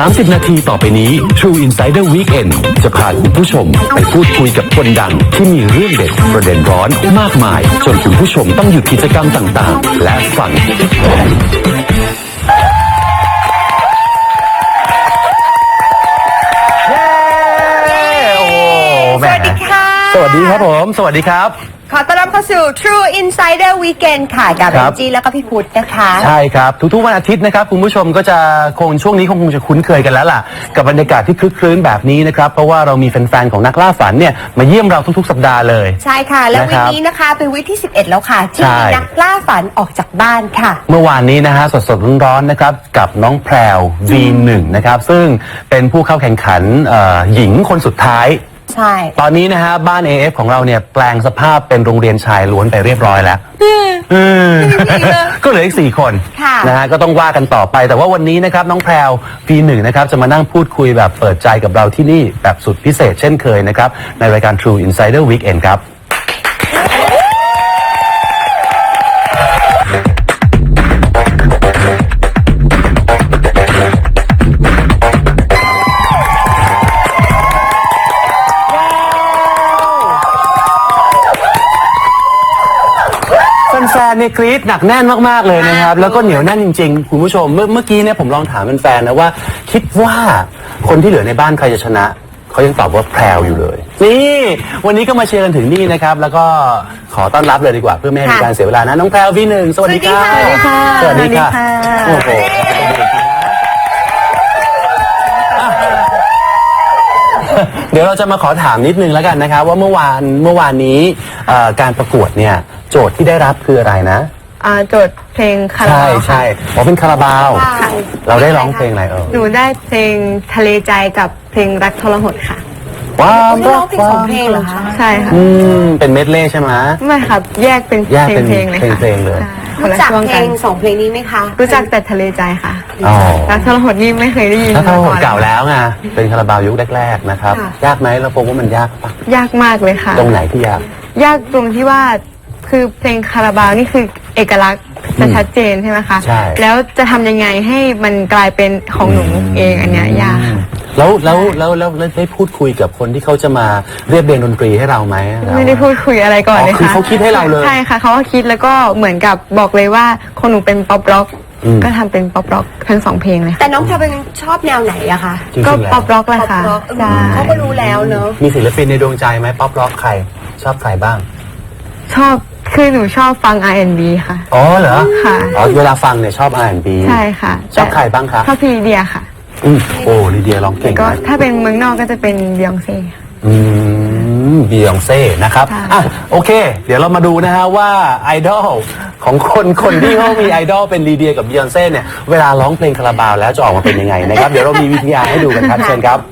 30 นาทีต่อไปนี้ True Insider Weekend จะพาคุณผู้ชมไปพูดคุยกับคนดังที่มีเรื่องเด็ดประเด็นร้อนมากมายจนคุณผู้ชมต้องหยุดกิจกรรมต่างๆและฟังสวัสดีค่ะสวัสดีครับผมสวัสดีครับขอต้อนรับเข้าสู่ True Insider Weekend ค่ะกับแองจี้แล้วก็พี่พุทธนะคะใช่ครับทุกๆวันอาทิตย์นะครับคุณผู้ชมก็จะช่วงนี้คงจะคุ้นเคยกันแล้วล่ะกับบรรยากาศที่คลึกคลื้นแบบนี้นะครับเพราะว่าเรามีแฟนๆของนักล่าฝันเนี่ยมาเยี่ยมเราทุกๆสัปดาห์เลยใช่ค่ะแล้ววีคนี้นะคะเป็นวีคที่11แล้วค่ะที่นักล่าฝันออกจากบ้านค่ะเมื่อวานนี้นะฮะสดๆร้อนๆนะครับกับน้องแพรว V1 นะครับซึ่งเป็นผู้เข้าแข่งขันหญิงคนสุดท้ายใช่ตอนนี้นะฮะบ้าน AF ของเราเนี่ยแปลงสภาพเป็นโรงเรียนชายล้วนไปเรียบร้อยแล้วก็เหลืออีก4 คนนะฮะก็ต้องว่ากันต่อไปแต่ว่าวันนี้นะครับน้องแพรว V1 นะครับจะมานั่งพูดคุยแบบเปิดใจกับเราที่นี่แบบสุดพิเศษเช่นเคยนะครับในรายการ True Insider Weekend ครับแฟนเนี่ยกรี๊ดหนักแน่นมากๆเลยนะครับแล้วก็เหนียวแน่นจริงๆคุณผู้ชมเมื่อกี้เนี่ยผมลองถามแฟนๆนะว่าคิดว่าคนที่เหลือในบ้านใครจะชนะเขายังตอบว่าแพรวอยู่เลยนี่วันนี้ก็มาเชียร์กันถึงนี่นะครับแล้วก็ขอต้อนรับเลยดีกว่าเพื่อไม่ให้มีการเสียเวลานะน้องแพรว V1 สวัสดีค่ะสวัสดีค่ะสวัสดีค่ะโอ้โหเดี๋ยวเราจะมาขอถามนิดนึงแล้วกันนะครับว่าเมื่อวานนี้การประกวดเนี่ยโจทย์ที่ได้รับคืออะไรนะโจทย์เพลงคาราบาวใช่เป็นคาราบาวเราได้ร้องเพลงอะไรหนูได้เพลงทะเลใจกับเพลงรักทรหดค่ะว้าวร้องเพลง2 เพลงเหรอคะใช่ค่ะเป็นเมดเล่ใช่ไหมไม่ครับแยกเป็นเพลงเลยค่ะเพลงเลยรู้จักเพลง2 เพลงนี้ไหมคะรู้จักแต่ทะเลใจค่ะรักทรหดนี่ไม่เคยได้ยินรักทรหดเก่าแล้วไงเป็นคาราบาวยุคแรกๆนะครับยากไหมเราพบว่ามันยากปะยากมากเลยค่ะตรงไหนที่ยากตรงที่ว่าคือเพลงคาราบาวนี่คือเอกลักษณ์จะชัดเจนใช่ไหมคะใช่แล้วจะทำยังไงให้มันกลายเป็นของหนูเองอันเนี้ยยากแล้วได้พูดคุยกับคนที่เขาจะมาเรียบเรียงดนตรีให้เราไหมไม่ได้พูดคุยอะไรก่อนเลยค่ะคือเขาคิดให้เราเลยใช่ค่ะเขาก็คิดแล้วก็เหมือนกับบอกเลยว่าคนหนูเป็นป๊อปร็อกก็ทำเป็นป๊อปร็อกทั้ง2 เพลงเลยแต่น้องแพรเป็นชอบแนวไหนอะคะก็ป๊อปร็อกแหละค่ะเขาก็รู้แล้วเนอะมีศิลปินในดวงใจไหมป๊อปร็อกใครชอบใครบ้างชอบคือหนูชอบฟัง R&B ค่ะอ๋อเหรอค่ะเวลาฟังเนี่ยชอบ R&B ใช่ค่ะชอบใครบ้างคะชอบพี่ลีเดียค่ะโอ้ลีเดียร้องเก่งก็ถ้าเป็นเมืองนอกก็จะเป็นบียองเซ่บียองเซ่นะครับโอเคเดี๋ยวเรามาดูนะฮะว่าไอดอลของคนที่เขามีไอดอลเป็นลีเดียกับบียองเซ่เนี่ยเวลาร้องเพลงคาราบาวแล้วจะออกมาเป็นยังไงนะครับเดี๋ยวเรามีวิทยาให้ดูกันครับเชิญครับ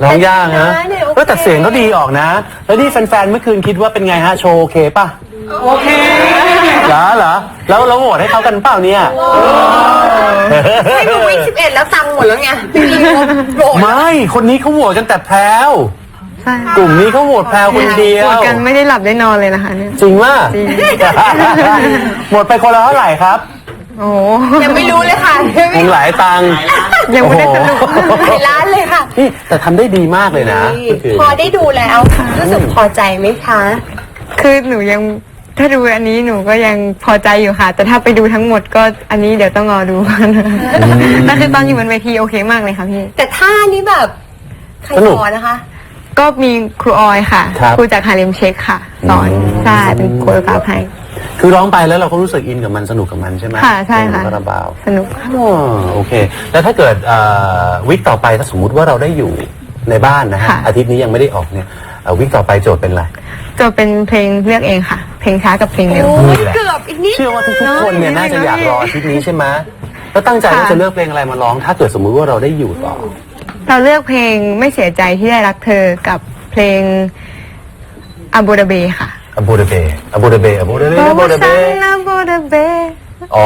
ร้องยากนะเนี่ยโอเคแต่เสียงเขาดีออกนะ แล้วนี่แฟนๆเมื่อคืนคิดว่าเป็นไงฮะโชว์โอเคป่ะโอเคเหรอแล้วเราโหวตให้เขากันเปล่าเนี่ยไม่ดูวิ11แล้วตังค์หมดแล้วไงพี่โกรธไม่คนนี้เขาโหวตกันแต่แพรวใช่กลุ่มนี้เขาโหวตแพรวคนเดียวปวดกันไม่ได้หลับได้นอนเลยนะคะเนี่ยจริงว่าจริงหมดไปคนละเท่าไหร่ครับโอ้ยังไม่รู้เลยค่ะคงหลายตังค์ยังไม่ได้สรุปหลายล้านเลยค่ะนี่แต่ทำได้ดีมากเลยนะนี่พอได้ดูแล้วรู้สึกพอใจไหมคะคือหนูยังถ้าดูอันนี้หนูก็ยังพอใจอยู่ค่ะ แต่ถ้าไปดูทั้งหมดก็อันนี้เดี๋ยวต้องรอดูแต่คือตอนอยู่บนเวทีโอเคมากเลยค่ะพี่แต่ท่านี้แบบใครสนุสกอนนะคะก็มีครูออยค่ะครับครูจากฮาเลมเชคค่ะ สอนใช่เป็นโคโรกราฟให้คือร้องไปแล้วเราก็รู้สึกอินกับมันสนุกกับมันใช่ไหมค่ะใช่ค่ะเพลงคาราบาวสนุกค่ะอ๋อโอเค แล้วถ้าเกิดวิกต่อไปถ้าสมมุติว่าเราได้อยู่ในบ้านนะฮะค่ะอาทิตย์นี้ยังไม่ได้ออกเนี่ยวิกต่อไปโจทย์เป็นอะไรจะเป็นเพลงเลือกเองค่ะ เพลงช้ากับเพลงเร็วโอ้ยนี่แหละเกือบอีกนิดเชื่อว่าทุกๆคนเนี่ยน่าจะอยากรออาทิตย์นี้ใช่ไหมแล้วตั้งใจว่าค่ะจะเลือกเพลงอะไรมาร้อง ถ้าเกิดสมมุติว่าเราได้อยู่ต่อเราเลือกเพลงไม่เสียใจที่ได้รักเธอกับเพลงอาบูดาเบค่ะอบูดาเบอบูดาเบอบูดาเบอบูดาเบอาบูดาเบอ๋อ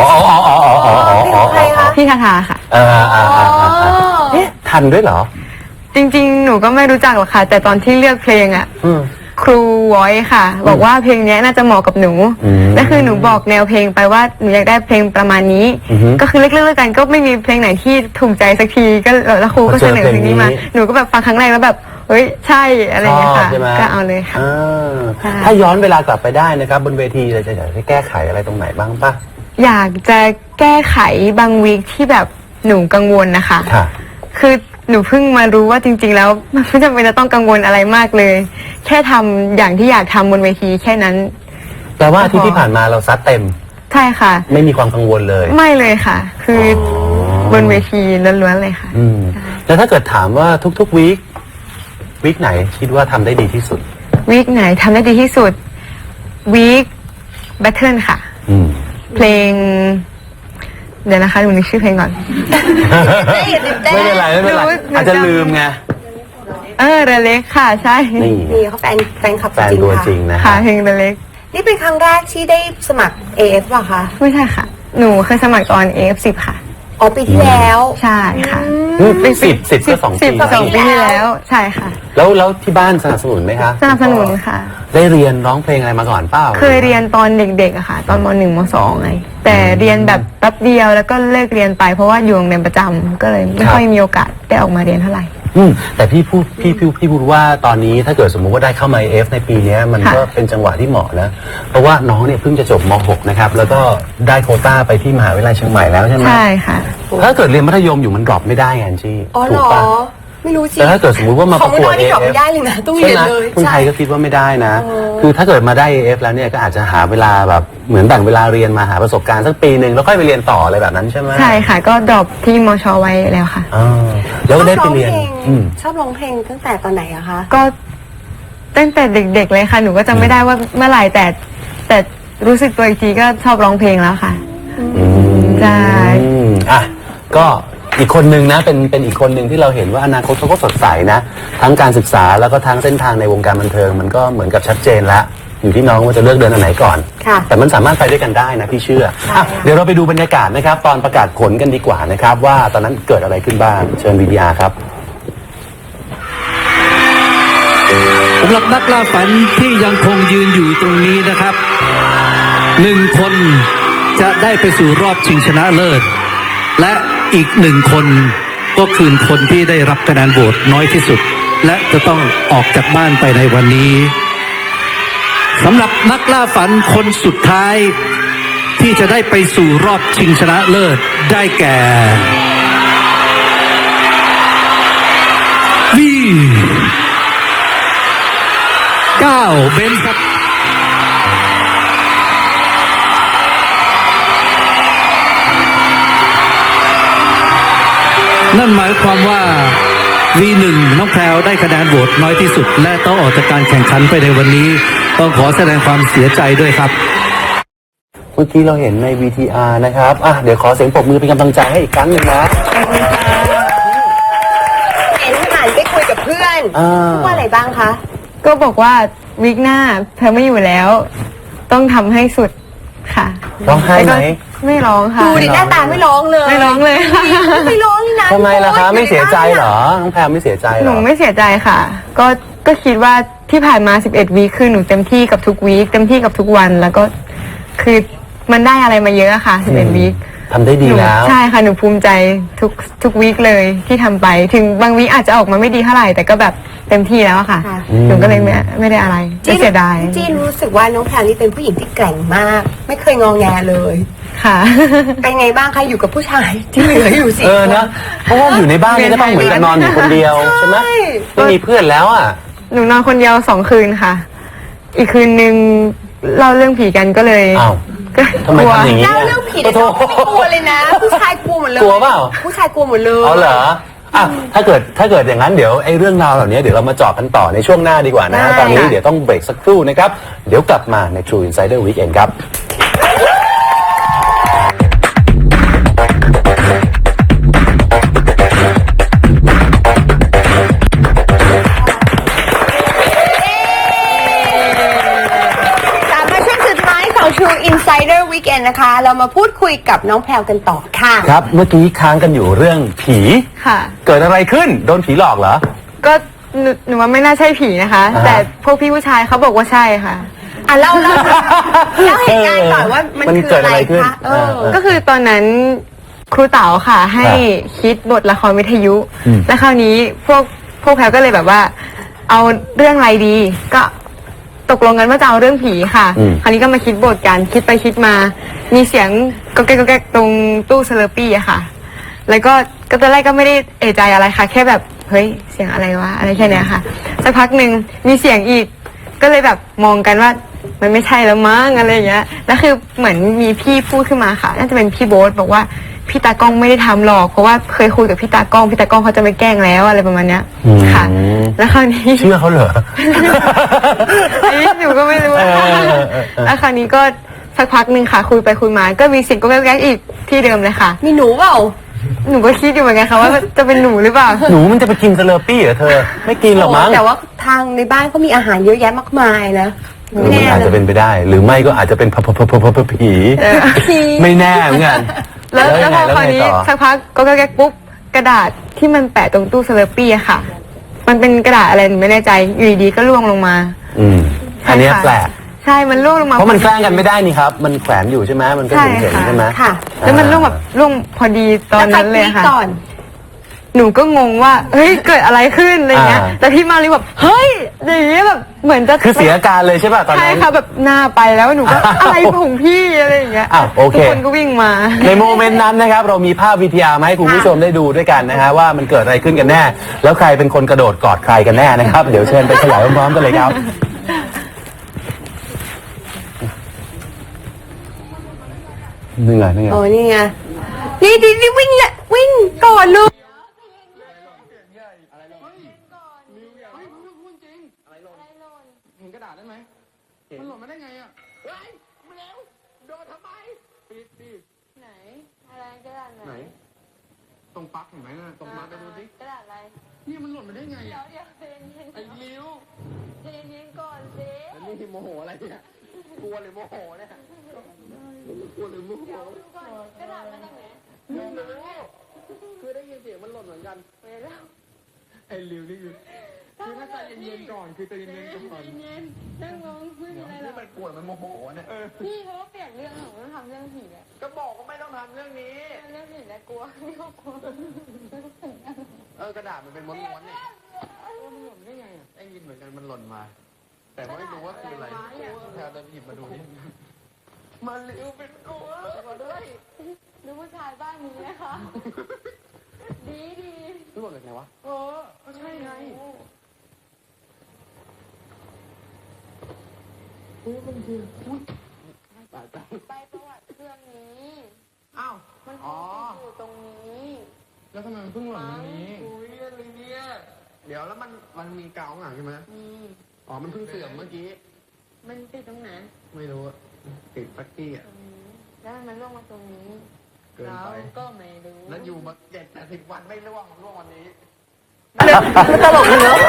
พี่คาทาค่ะเอ๊ะทันด้วยเหรอจริงๆ หนูก็ไม่รู้จักหรอกค่ะ แต่ตอนที่เลือกเพลงอ่ะอืมครูวอยค่ะ บอกว่าเพลงเนี้ยน่าจะเหมาะกับหนูอืมและคือหนูบอกแนวเพลงไปว่าหนูอยากได้เพลงประมาณนี้อือฮึก็คือเลือกๆกันก็ไม่มีเพลงไหนที่ถูกใจสักทีก็แล้วครูก็เสนอเพลงนี้มา หนูก็แบบฟังครั้งแรกแล้วแบบเฮ้ยใช่อะไรอย่างเงี้ยค่ะชอบใช่ไหมก็เอาเลยค่ะอ่าใช่ถ้าย้อนเวลากลับไปได้นะครับ บนเวทีเราจะอยากให้แก้ไขอะไรตรงไหนบ้างป่ะอยากจะแก้ไขบางวีคที่แบบหนูกังวลนะคะค่ะคือหนูเพิ่งมารู้ว่าจริง ๆ แล้วมันไม่จำเป็นจะต้องกังวลอะไรมากเลย แค่ทำอย่างที่อยากทำบนเวทีแค่นั้นแปลว่าอาที่ที่ผ่านมาเราซัดเต็มใช่ค่ะไม่มีความกังวลเลยไม่เลยค่ะ คือบนเวทีล้วนๆเลยค่ะอืมแล้วถ้าเกิดถามว่าทุกๆวีคไหนคิดว่าทำได้ดีที่สุดวีคไหนทำได้ดีที่สุดวีคแบทเทิลค่ะอืมเพลง เดี๋ยวนะคะหนูนึกชื่อเพลงก่อนไม่เป็นไรไม่เป็นไรหนูอาจจะลืมไงเรเล็กค่ะ ใช่นี่นี่เขาแฟนคลับแฟนตัวจริงนะค่ะฮะเพลงเรเล็กนี่เป็นครั้งแรกที่ได้สมัคร AF ป่ะคะไม่ใช่ค่ะ หนูเคยสมัครตอน AF10 ค่ะอ๋อปีที่แล้วใช่ค่ะสิบก็2 ปี 12 ปีที่แล้ว ใช่ค่ะแล้วที่บ้านสนับสนุนไหมคะสนับสนุนค่ะได้เรียนร้องเพลงอะไรมาก่อนเปล่าเคยเรียนตอนเด็กๆอะค่ะ ตอนม.1 ม.2ไงแต่เรียนแบบแป๊บเดียวแล้วก็เลิกเรียนไปเพราะว่าอยู่โรงเรียนประจำก็เลยไม่ค่อยมีโอกาสได้ออกมาเรียนเท่าไหร่แต่พี่พูดว่าตอนนี้ถ้าเกิดสมมุติว่าได้เข้ามา AF ในปีเนี้ยมันก็เป็นจังหวะที่เหมาะนะเพราะว่าน้องเนี่ยเพิ่งจะจบม .6 นะครับแล้วก็ได้โควต้าไปที่มหาวิทยาลัยเชียงใหม่แล้วใช่ไหมใช่ค่ะถ้าเกิดเรียนมัธยมอยู่มันดรอปไม่ได้ไงจี้อ๋อเหถูรกอปะไม่รู้สิแต่ถ้าเกิดสมมุติว่ามาขปองระกวดไม่ได้นี่ AF ดรอปไม่ได้เลยนะต้องเรีใช่ยนไหมเลยคุณไทยก็คิดว่าไม่ได้นะ คือถ้าเกิดมาได้ AF แล้วเนี่ยก็อาจจะหาเวลาแบบเหมือนแบ่งเวลาเรียนมาหาประสบการณ์สักปีหนึ่งแล้วค่อยไปเรียนต่ออะไรแบบนั้นใช่ไหมใช่ค่ะ ก็ดรอปที่มชไว้แล้วค่ะอ่าแล้วก็ได้ไปเรียนอืมชอบร้องเพลงตั้งแต่ตอนไหนอะคะก็ตั้งแต่เด็กๆเลยค่ะ หนูก็จำไม่ได้ว่าเมื่อไหร่แต่รู้สึกตัวอีกทีก็ชอบร้องเพลงแล้วค่ะ ใช่อ่ะก็อีกคนนึงนะเป็นอีกคนหนึ่งที่เราเห็นว่าอนาคตเขาก็สดใสนะทั้งการศึกษาแล้วก็ทั้งเส้นทางในวงการบันเทิงมันก็เหมือนกับชัดเจนแล้วอยู่ที่น้องว่าจะเลือกเดินอันไหนก่อนค่ะแต่มันสามารถไปด้วยกันได้นะพี่เชื่ออ่ะเดี๋ยวเราไปดูบรรยากาศนะครับตอนประกาศผลกันดีกว่านะครับว่าตอนนั้นเกิดอะไรขึ้นบ้างเชิญวิทยาครับสำหรับนักล่าฝันที่ยังคงยืนอยู่ตรงนี้นะครับ1 คนจะได้ไปสู่รอบชิงชนะเลิศและอีก1 คนก็คือคนที่ได้รับคะแนนโหวตน้อยที่สุด และจะต้องออกจากบ้านไปในวันนี้สำหรับนักล่าฝันคนสุดท้ายที่จะได้ไปสู่รอบชิงชนะเลิศได้แก่9เบนซ์ครับ นั่นหมายความว่า V1 น้องแพรวได้คะแนนโหวตน้อยที่สุด และต้องออกจากการแข่งขันไปในวันนี้ ต้องขอแสดงความเสียใจด้วยครับเมื่อกี้เราเห็นใน VTR นะครับอ่ะเดี๋ยวขอเสียงปรบมือเป็นกำลังใจให้อีกครั้งหนึ่งนะเห็นผ่านไปคุยกับเพื่อนพูดว่าอะไรบ้างคะก็บอกว่าวิกหน้าเธอไม่อยู่แล้ว ต้องทำให้สุดค่ะร้องไห้ไหมไม่ร้องค่ะดูดิหน้าตาไม่ร้องเลยไม่ร้องเลยค่ะไม่ร้องนี่นะทำไมล่ะคะโอ๊ยไม่เสียใจเหรอน้องแพรไม่เสียใจเหหรนูอไม่เสียใจค่ะ ก็คิดว่าที่ผ่านมา11 วีคคือหนูเต็มที่กับทุกวีคเต็มที่กับทุกวัน แล้วก็คือมันได้อะไรมาเยอะอะค่ะ11 วีคทำได้ดีแล้วใช่ค่ะหนูภูมิใจทุกวีคเลยที่ทำไป ถึงบางวีคอาจจะออกมาไม่ดีเท่าไหร่แต่ก็แบบเต็มที่แล้วอะค่ะ หนูก็เลยไม่ได้อะไรไม่เสียดายจีนรู้สึกว่าน้องแพรนี่เป็นผู้หญิงที่แกร่งมาก ไม่เคยงอแงเลยค่ะเป็นไงบ้างคะอยู่กับผู้ชายที่เหลืออยู่สี่คนนะเพราะว่าอยู่ในบ้านนี่ก็ต้องเหมือนกับนอนอยู่คนเดียวใช่ไหมไม่มีเพื่อนแล้วอ่ะหนูนอนคนเดียว2 คืนค่ะ อีกคืนนึงเล่าเรื่องผีกันก็เลยอ้าวก็ทำไมกลัวทำอย่างนี้เล่าเรื่องผีเนี่ยน้องไม่กลัวเลยนะ ผู้ชายกลัวหมดเลยกลัวเปล่าผู้ชายกลัวหมดเลยเอาเหรออ่ะถ้าเกิดอย่างนั้นเดี๋ยวไอ้เรื่องราวเหล่านี้เดี๋ยวเรามาเจาะกันต่อในช่วงหน้าดีกว่านะฮะตอนนี้เดี๋ยวต้องเบรกสักครู่นะครับเดี๋ยวกลับมาใน True Insider Weekend ครับกลับมาช่วงสุดท้ายของ True Insider Weekend นะคะ เรามาพูดคุยกับน้องแพรวกันต่อค่ะครับเมื่อกี้ค้างกันอยู่เรื่องผีค่ะเกิดอะไรขึ้นโดนผีหลอกเหรอก็หนูว่าไม่น่าใช่ผีนะคะอ่าแต่พวกพี่ผู้ชายเขาบอกว่าใช่ค่ะอ่ะเล่าเหตุการณ์ก่อนว่ามันมันคือเกิดอะอะไร ไรขึ้นคะก็คือตอนนั้นครูเต๋าค่ะ ให้คิดบทละครวิทยุอืมแล้วคราวนี้พวกแพรก็เลยแบบว่า เอาเรื่องอะไรดี ก็ตกลงกันว่าจะเอาเรื่องผีค่ะ คราวนี้ก็มาคิดบทกันคิดไปคิดมา มีเสียงก็แก๊กตรงตู้เซเลอร์ปี้อะค่ะ แล้วก็ตอนแรกก็ไม่ได้เอะใจอะไรค่ะ แค่แบบเฮ้ยเสียงอะไรวะอะไรแค่เนี้ยค่ะสักพักหนึ่งมีเสียงอีก ก็เลยแบบมองกันว่ามันไม่ใช่แล้วมั้งอะไรอย่างเงี้ยแล้วคือเหมือนมีพี่พูดขึ้นมาค่ะ น่าจะเป็นพี่โบ๊ทบอกว่าพี่ตากล้องไม่ได้ทำหรอกเพราะว่าเคยคุยกับพี่ตากล้องเขาจะไม่แกล้งแล้วอะไรประมาณเนี้ยค่ะ แล้วคราวนี้เชื่อเขาเหรออันนี้หนูก็ไม่รู้ แล้วคราวนี้ก็สักพักหนึ่งค่ะ คุยไปคุยมาก็มีเสียงก็แก๊กๆอีกที่เดิมเลยค่ะมีหนูเปล่าหนูก็คิดอยู่เหมือนกันค่ะว่าจะเป็นหนูหรือเปล่าหนูมันจะไปกินสเลอร์ปี้เหรอเธอ ไม่กินหรอกมั้งแต่ว่าทางในบ้านเขามีอาหารเยอะแยะมากมายนะมันอาจจะเป็นไปได้ หรือไม่ก็อาจจะเป็นผีไม่แน่เหมือนกันแล้วพอยังคไงราวนี้ต่อสักพักก็แก๊กปุ๊บกระดาษที่มันแปะตรงตู้เซเลอร์ปี้อะค่ะ มันเป็นกระดาษอะไรหนูไม่แน่ใจอยู่ดีๆก็ร่วงลงมาอันเนี้ยแปลกใช่มันร่วงลงมาเพราะมันแกล้งกันไม่ได้นี่ครับ มันแขวนอยู่ใช่ไหมมันก็เห็นๆใช่ไหมค่ะแล้วมันร่วงแบบร่วงพอดีตอนนั้นเลยแวใครค่ะกรี๊ดก่อนหนูก็งงว่าเฮ้ยเกิดอะไรขึ้นอะไรเงี้ยอ่าแต่พี่มารีแบบเฮ้ยอย่างเงี้ยแบบเหมือนจะคือเสียอาการเลยใช่ป่ะตอนใช่นั้นค่ะแบบหน้าไปแล้วหนูก็อะไรของพี่อะไรอย่างเงี้ยอ้าวโอเคทุกคนก็วิ่งมาในโมเมนต์นั้นนะครับ เรามีภาพวิทยามาให้คุณผู้ชมได้ดูด้วยกันนะฮะว่ามันเกิดอะไรขึ้นกันแน่ แล้วใครเป็นคนกระโดดกอดใครกันแน่นะครับ เดี๋ยวเชิญไปเฉลยพร้อมๆกันเลยครับนี่ไงนี่ไงโอ้นี่ไงนี่วิ่งแหละวิ่งก่อนเลยเห็นกระดาษได้ไหมมันหล่นมาได้ไงอ่ะเฮ้ยมาแล้วโดนทำไมปิดดิไหนอะไรกระดาษไหน ตรงปลั๊กเห็นไหมน่ะตรงปลั๊กไปดูสิกระดาษอะไรนี่มันหล่นมาได้ไงอ่ะเดี๋ยวเย็นไอ้ลิ้วเย็นก่อนสิแล้วนี่โมโหอะไรเนี่ยกลัวหรือโมโหเนี่ยกลัวหรือโมโหกระดาษมาจากไหนไม่รู้คือได้ยินเสียงมันหล่นเหมือนกันเวลาไอ้ลิ้วนี่คือถ้าใจเย็นๆก่อนคือใจเย็นๆก่อนเย็นนั่งงงคุยอะไรหรนี่อมันกลัวมันโมโหเนี่ยพี่เขาเปลี่ยนเรื่องของต้องทำเรื่องผีอะก็บอกว่าไม่ต้องทำเรื่องนี้เรื่องผีแล้วกลัวไม่ก็กลัวกระดาษมันเป็นม้วนๆนี่มันหล่นได้ไงอ่ะได้ยินเหมือนกันมันหล่นมา แต่ไม่รู้ว่าคืออะไรแพรจะหยิบมาดูนี่มันลิ้วเป็นตัวมาด้วยดูผู้ชายบ้านนี้นะคะดีดีรู้หล่นจากไหนวะก็ใช่ไงมันคืออุ้ยตายไปประวัติเครื่องนี้อ้าวมันอ๋ออยู่ตรงนี้แล้วทำไมมันเพิ่งหล่นตรงนี้อุ้ยอะไรเนี่ยเดี๋ยวแล้วมันมีกาวข้างหลังใช่ไหมมีอ๋อมันเพิ่งเสื่อมเมื่อกี้มันติดตรงไหนไม่รู้อะติดปักกี้อ่ะตรงนี้แล้วมันล่วงมาตรงนี้เกินไปก็ไม่รู้แล้วอยู่มา70-80 วันไม่ร่วงวันนี้ตลกเลยเนาะ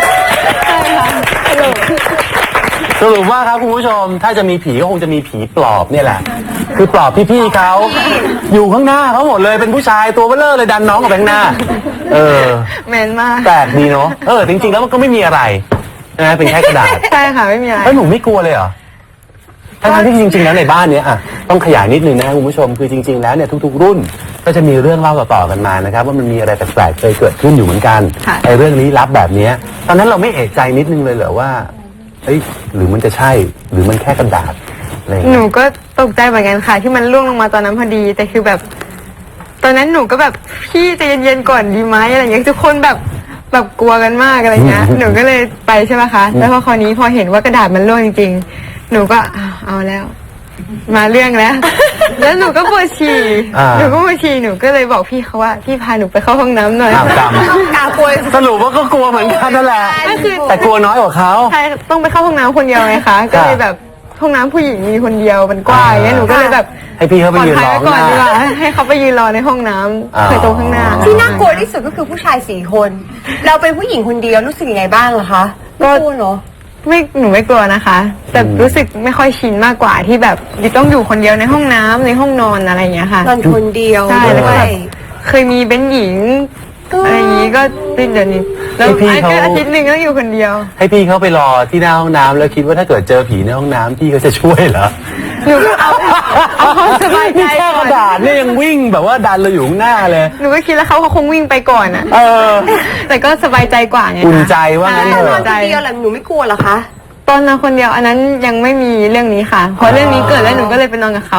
สรุปว่าครับคุณผู้ชมถ้าจะมีผีก็คงจะมีผีปลอบเนี่ยแหละ คือปลอบพี่ๆเขาอยู่ข้างหน้าเขาหมดเลยเป็นผู้ชายตัวเบ้อเร่อเลยดันน้องออกไปข้างหน้าแมนมากแปลกดีเนาะจริงๆแล้วมันก็ไม่มีอะไรนะเป็นแค่กระดาษใช่ค่ะไม่มีอะไรแล้วหนูไม่กลัวเลยเหรอทั้งที่จริงๆแล้วในบ้านเนี้ยต้องขยายนิดนึงนะคุณผู้ชมคือจริงๆแล้วเนี่ยทุกๆรุ่นก็จะมีเรื่องเล่าต่อๆกันมานะครับว่ามันมีอะไรแปลกๆเคยเกิดขึ้นอยู่เหมือนกันไอ้เรื่องลี้ลับแบบเนี้ยตอนนั้นเราไม่เอะใจนิดนึงเลยเหรอว่าเอ้ยหรือมันจะใช่หรือมันแค่กระดาษอะไรอย่างหนูเงี้ยก็ตกใจเหมือนกันค่ะ ที่มันร่วงลงมาตอนนั้นพอดี แต่คือแบบ ตอนนั้นหนูก็แบบพี่ใจเย็นๆก่อนดีไหมอะไรอย่างเงี้ยทุกคนแบบกลัวกันมากอะไรเงี้ย หนูก็เลยไปใช่ไหมคะแล้วพอคราวนี้พอเห็นว่ากระดาษมันร่วงจริงๆหนูก็เอาแล้ว มาเรื่องแล้ว แล้วหนูก็ปวดฉี่หนูก็ปวดฉี่หนูก็เลยบอกพี่เขาว่าพี่พาหนูไปเข้าห้องน้ำหน่อยอ้าวกรรมกากลัวสรุปว่าก็กลัวเหมือนกันนั่นแหละก็คือแต่กลัวน้อยกว่าเขาใช่ต้องไปเข้าห้องน้ำคนเดียวไงคะก็เลยแบบห้องน้ำผู้หญิงมีคนเดียวมันกว้างอย่างเงี้ยหนูก็เลยแบบให้พี่เขาไปยืนรอปลอดภัยไว้ก่อนดีกข้างหน้าว่าให้เขาไปยืนรอในห้องน้ำเคยตรงข้างหน้าที่น่ากลัวที่สุดก็คือผู้ชาย4 คน เราเป็นผู้หญิงคนเดียวรู้สึกยังไงบ้างอะคะก็กลัวเนาะหนูไม่กลัวนะคะ แต่รู้สึกไม่ค่อยชินมากกว่าที่แบบต้องอยู่คนเดียวในห้องน้ำในห้องนอนอะไรอย่างเงี้ยค่ะนอนคนเดียวใช่แล้วก็ด้วยเคยมีเป็นหญิงอะไรอย่างงี้ก็ติดเดี๋ยวนี้แล้วพี่เขาอาทิตย์หนึ่งก็อยู่คนเดียวให้พี่เขาไปรอที่หน้าห้องน้ำแล้วคิดว่าถ้าเกิดเจอผีในห้องน้ำพี่เขาจะช่วยเหรอหนูก็เอาความสบายใจนี่แค่ก่กอนระดาษเนี่ยยังวิ่งแบบว่าดันเราอยู่ข้างหน้าเลยหนูก็คิดแล้วเขาคงวิ่งไปก่อนอะเออแต่ก็สบายใจกว่าไงคะอุ่นใจว่างั้นตเถอนนอนอะคนเดียวแหละหนูไม่กลัวเหรอคะตอนนอนคนเดียวอันนั้นยังไม่มีเรื่องนี้ค่ะพอเรื่องนี้เกิดแล้วหนูก็เลยไปนอนกับเขา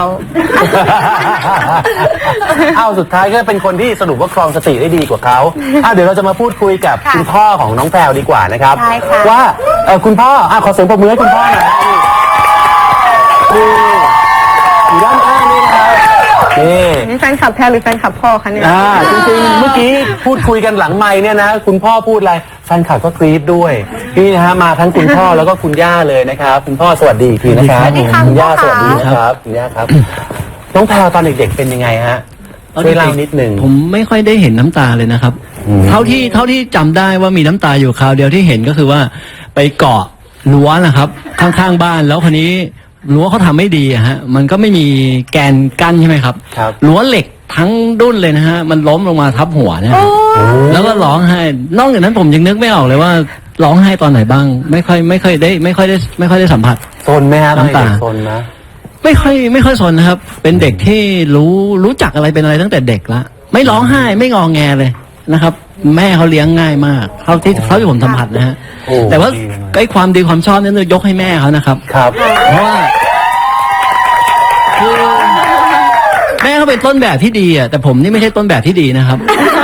เอาสุดท้ายก็เป็นคนที่สรุปว่าครองสติได้ดีกว่าเขาเดี๋ยวเราจะมาพูดคุยกับค่ะคุณพ่อของน้องแพรวดีกว่านะครับใช่ค่ะว่าคุณพ่อขอเสียงปรบมือให้คุณพ่อหน่อยนี่อยู่ด้านข้างนี่นะครับนี่นี่แฟนคลับแพรหรือแฟนคลับพ่อคะเนี่ยจริงๆเมื่อกี้พูดคุยกันหลังไมค์เนี่ยนะคุณพ่อพูดอะไรแฟนคลับก็กรี๊ดด้วยนี่นะฮะมาทั้งคุณพ่อแล้วก็คุณย่าเลยนะครับคุณพ่อสวัสดีอีกทีนะครับสวัสดีค่ะคุณย่าคุณสพ่อวัสดีนะครับคุณย่าครับ น้องแพรวตอนเด็กๆเป็นยังไงฮะช่วยเล่านิดนึงผมไม่ค่อยได้เห็นน้ำตาเลยนะครับ เท่าที่จำได้ว่ามีน้ำตาอยู่คราวเดียวที่เห็นก็คือว่าไปเกาะรั้วนะครับ ข้างๆบ้านแล้วคนนี้รั้วเขาทำไม่ดีอะฮะมันก็ไม่มีแกนกั้นใช่ไหมครับครับรั้วเหล็กทั้งดุ้นเลยนะฮะมันล้มลงมาทับหัวเนี่ยแล้วก็ร้องไห้นอกจากนั้นผมยังนึกไม่ออกเลยว่าร้องไห้ตอนไหนบ้าง ไม่ค่อยได้สัมผัสซนไหมฮะตอนเด็กน้ำตาซนนะไม่ค่อยสนนะครับ เป็นเด็กที่รู้จักอะไรเป็นอะไรตั้งแต่เด็กละไม่ร้องไห้ไม่งอแงเลยนะครับ แม่เขาเลี้ยงง่ายมากเท่าที่ผมสัมผัสนะฮะโอ้แต่ว่าดีมากไอ้ความดีความชอบนั้นยกให้แม่เขานะครับครับเพราะว่าคือแม่เขาเป็นต้นแบบที่ดีอ่ะแต่ผมนี่ไม่ใช่ต้นแบบที่ดีนะครับ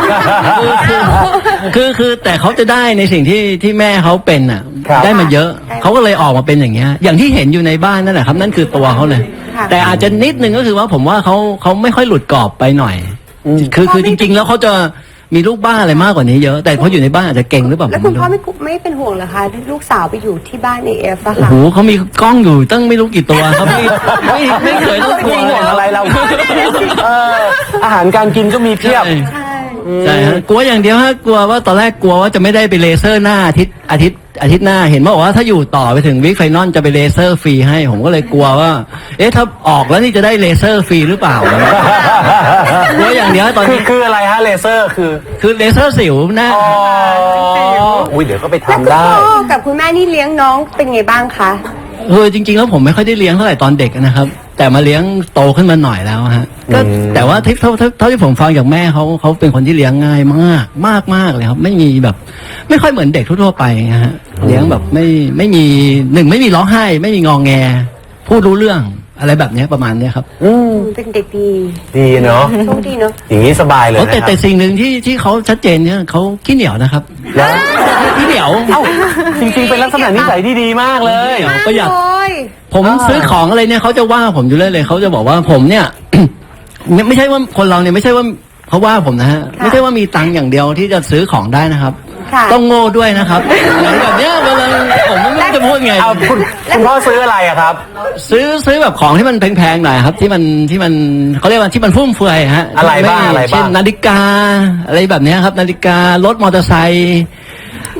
คือแต่เขาจะได้ในสิ่งที่แม่เขาเป็นอ่ะครับได้มาเยอะเขาก็เลยออกมาเป็นอย่างเงี้ย อย่างที่เห็นอยู่ในบ้านนั่นแหละครับ นั่นคือตัวเขาเลยค่ะแต่อาจจะนิดนึงก็คือว่าผมว่าเขาไม่ค่อยหลุดกรอบไปหน่อย คือจริง ๆ แล้วเขาจะมีลูกบ้านอะไรมากกว่านี้เยอะ แต่พออยู่ในบ้านอาจจะเก่งหรือเปล่าแล้วผมคุณไม่พ่อรู้ไม่เป็นห่วงเหรอคะลูกสาวไปอยู่ที่บ้านAFอะโอ้ค่ะโหเขามีกล้องอยู่ตั้งไม่รู้กี่ตัวครับไม่เคยต้องกลัวไม่ห่วงเลยอะไรเราอาหารการกินก็มีเพียบใช่ใช่ฮะกลัวอย่างเดียวฮะกลัวว่าตอนแรกกลัวว่าจะไม่ได้ไปเลเซอร์หน้าอาทิตย์หน้าเห็นบอกว่าถ้าอยู่ต่อไปถึงวิกไฟนอลจะไปเลเซอร์ฟรีให้ผมก็เลยกลัวว่า ถ้าออกแล้วนี่จะได้เลเซอร์ฟรีหรือเปล่ากลัวอย่างเดียวตอนนี้คืออะไรฮะเลเซอร์คือเลเซอร์สิวหน้าอุ้ยเดี๋ยวก็ไปแล้วทำคุณได้พ่อกับคุณแม่นี่เลี้ยงน้องเป็นไงบ้างคะจริงๆแล้วผมไม่ค่อยได้เลี้ยงเท่าไหร่ตอนเด็กนะครับ แต่มาเลี้ยงโตขึ้นมาหน่อยแล้วฮะก็แต่ว่าเท่าที่ผมฟังจากแม่เขาเป็นคนที่เลี้ยงง่ายมากเลยครับ ไม่มีแบบ ไม่ค่อยเหมือนเด็กทั่วๆไปนะฮะเลี้ยงแบบไม่มีไม่มีร้องไห้ ไม่มีงอแงพูดรู้เรื่องอะไรแบบเนี้ยประมาณเนี้ยครับเป็นเด็กดีดีเนาะโชคดีเนาะอย่างนี้สบายเลยนะคแต่รับสิ่งหนึ่งที่เขาชัดเจนเนี่ยเขาขี้เหนียวนะครับแล้วขี้เหนียวจริงๆเป็นลักษณะนิสัยที่ดีมากเลยประหยัดเลยผมซื้อของอะไรเนี่ยเขาจะว่าผมอยู่เรื่อยเลยเขาจะบอกว่าผมเนี่ย ไม่ใช่ว่าคนเราเนี่ยไม่ใช่ว่าเขาว่าผมนะฮะไม่ใช่ว่ามีตังค์อย่างเดียวที่จะซื้อของได้นะครับค่ะต้องโง่ด้วยนะครับแบบเนี้ยเวลาผมไม่รู้จะพูดไงเอาคุณพ่อซื้ออะไรอะครับซื้อแบบของที่มันแพงๆหน่อยครับ ที่มันเขาเรียกว่าที่มันฟุ่มเฟือยฮะอะไรบ้างเช่นนาฬิกาอะไรแบบเนี้ยครับ นาฬิการถมอเตอร์ไซค์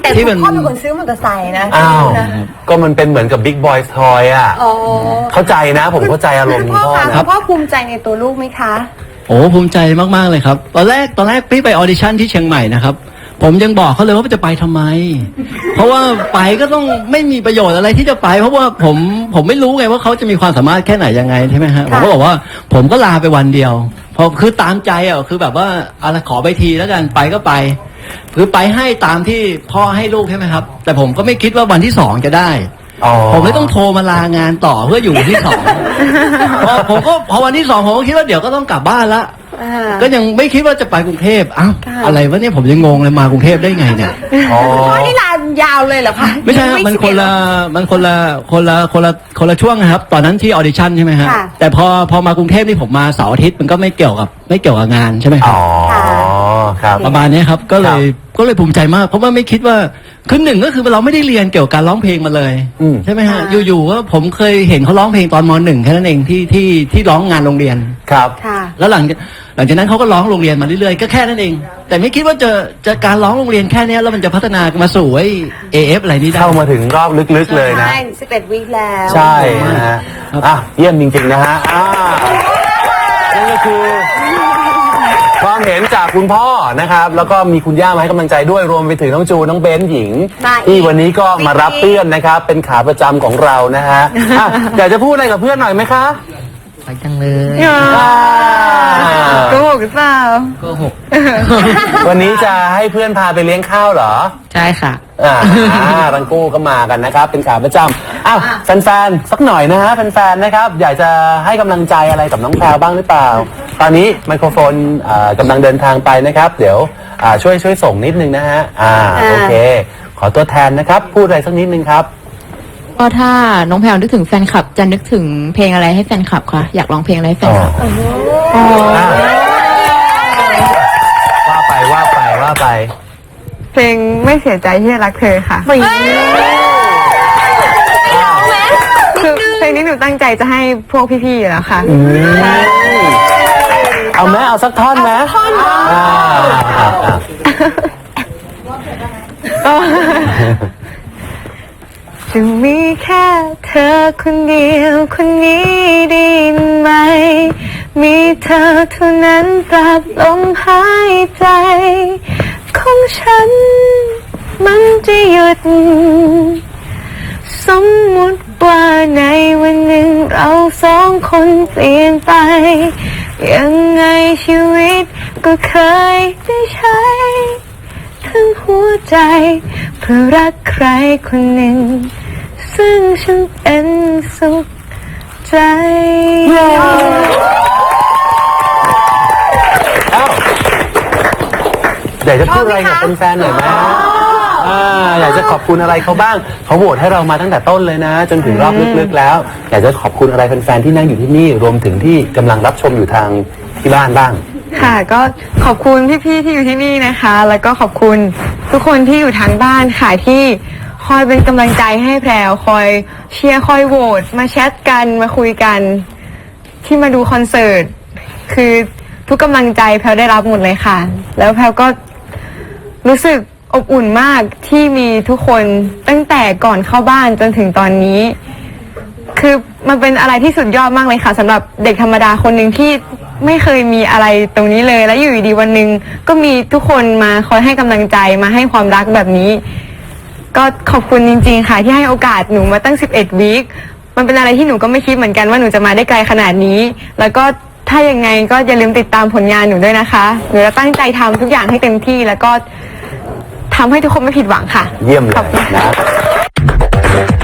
แต่ที่คุมันณพ่อเป็นคนซื้อมอเตอร์ไซค์นะอ้าวนะก็มันเป็นเหมือนกับบิ๊กบอยทอยอ่ะอ๋อเข้าใจนะผมเข้าใจอารมณ์คุคุณ ณพ่อพ่อคะนะคุณพ่อภูมิใจในตัวลูกไหมคะโอ้ภูมิใจมากๆเลยครับ ตอนแรกพี่ไปออดิชั่นที่เชียงใหม่นะครับ ผมยังบอกเขาเลยว่าจะไปทำไม เพราะว่าไปก็ต้องไม่มีประโยชน์อะไรที่จะไป เพราะว่าผมไม่รู้ไงว่าเขาจะมีความสามารถแค่ไหนยังไงใช่ไหมฮะผมก็บอกว่าผมก็ลาไปวันเดียวพอคือตามใจอ่ะคือแบบว่าอะไรขอไปทีแล้วกันไปก็ไป คือไปให้ตามที่พ่อให้ลูกใช่ไหมครับ แต่ผมก็ไม่คิดว่าวันที่2จะได้อ๋อผมเลยต้องโทรมาลางานต่อเพื่ออยู่วันที่ 2 พอวันที่ 2ผมก็คิดว่าเดี๋ยวก็ต้องกลับบ้านละ ก็ยังไม่คิดว่าจะไปกรุงเทพอ้าวอะไรวะเนี่ยผมยังงงเลยมากรุงเทพได้ไงเนี่ยอ๋อพ่อนี่ลายาวเลยเหรอคะไม่ใช่ครับมันคนละช่วงนะครับ ตอนนั้นที่ออดิชั่นใช่ไหมฮะค่ะแต่พอมากรุงเทพนี่ผมมาเสาร์อาทิตย์มันก็ไม่เกี่ยวกับงานใช่ไหมครัอ๋บอครับประมาณนี้ครับก็เลยภูมิใจมากเพราะว่าไม่คิดว่าคือหนึ่งก็คือเราไม่ได้เรียนเกี่ยวกับการร้องเพลงมาเลยอืมใช่ไหมฮะอยู่ๆก็ผมเคยเห็นเขาร้องเพลงตอนม.1แค่นั้นเองที่ร้องงานโรงเรียนครับค่ะแล้วหลังจากนั้นเขาก็ร้องโรงเรียนมาเรื่อยๆก็แค่นั้นเอง แต่ไม่คิดว่าจะการร้องโรงเรียนแค่เนี้ยแล้วมันจะพัฒนามาสู่ไอ้ AF อะไรนี้ได้เข้ามาถึงรอบลึกๆเลยนะใช่11 วีคแล้วใช่นะฮะครับอ่ะเยี่ยมจริงๆนะฮะนั่นก็คือความเห็นจากคุณพ่อนะครับ แล้วก็มีคุณย่ามาให้กำลังใจด้วยรวมไปถึงน้องจูน้องเบนหญิงมาอีกที่วันนี้ก็มารับเพื่อนนะครับ เป็นขาประจำของเรานะฮะอ่ะอยากจะพูดอะไรกับเพื่อนหน่อยไหมคะไปจังเลยโกหกหรือเปล่าก็หกวันนี้จะให้เพื่อนพาไปเลี้ยงข้าวเหรอใช่ค่ะทั้งคู่ก็มากันนะครับ เป็นขาประจำอ้าวแฟนๆสักหน่อยนะฮะแฟนๆนะครับ อยากจะให้กำลังใจอะไรกับน้องแพรวบ้างหรือเปล่า ตอนนี้ไมโครโฟนกำลังเดินทางไปนะครับ เดี๋ยวช่วยส่งนิดนึงนะฮะโอเค ขอตัวแทนนะครับ พูดอะไรสักนิดนึงครับก็ถ้าน้องแพลวนึกถึงแฟนคลับ จะนึกถึงเพลงอะไรให้แฟนคลับคะอยากร้องเพลงอะไรให้แฟนคลับว่าไปเพลงไม่เสียใจที่ได้รักเธอค่ะคือเพลงนี้หนูตั้งใจจะให้พวกพี่ๆอยู่แล้วค่ะเอาไหมเอาสักท่อนไหมจะมีแค่เธอคนเดียวคนนี้ได้ยินไหม มีเธอเท่านั้นตราบลมหายใจของฉันมันจะหยุด สมมุติว่าในวันหนึ่งเราสองคนเปลี่ยนไป ยังไงชีวิตก็เคยได้ใช้ทั้งหัวใจเพื่อรักใครคนหนึ่ง ซึ่งฉันเป็นสุขใจอยากจะพูดอะไรกับแฟนๆหน่อยไหมอยากจะขอบคุณอะไรเขาบ้างเขาโหวตให้เรามาตั้งแต่ต้นเลยนะ จนถึงรอบลึกๆแล้ว อยากจะขอบคุณอะไรแฟนๆที่นั่งอยู่ที่นี่รวมถึงที่กำลังรับชมอยู่ทางที่บ้านบ้างค่ะก็ขอบคุณพี่ๆที่อยู่ที่นี่นะคะ แล้วก็ขอบคุณทุกคนที่อยู่ทางบ้านค่ะที่คอยเป็นกำลังใจให้แพรวคอยเชียร์คอยโหวตมาแชทกันมาคุยกันที่มาดูคอนเสิร์ตคือทุกกำลังใจแพรวได้รับหมดเลยค่ะ แล้วแพรวก็รู้สึกอบอุ่นมากที่มีทุกคนตั้งแต่ก่อนเข้าบ้านจนถึงตอนนี้ คือมันเป็นอะไรที่สุดยอดมากเลยค่ะสำหรับเด็กธรรมดาคนหนึ่งที่ไม่เคยมีอะไรตรงนี้เลย แล้วอยู่ดีๆวันหนึ่งก็มีทุกคนมาคอยให้กำลังใจมาให้ความรักแบบนี้ ก็ขอบคุณจริงๆค่ะที่ให้โอกาสหนูมาตั้ง11 วีคมันเป็นอะไรที่หนูก็ไม่คิดเหมือนกันว่าหนูจะมาได้ไกลขนาดนี้ แล้วก็ถ้ายังไงก็อย่าลืมติดตามผลงานหนูด้วยนะคะหนูจะตั้งใจทำทุกอย่างให้เต็มที่แล้วก็ทำให้ทุกคนไม่ผิดหวังค่ะเยี่ยมเลยขอบคุณนะ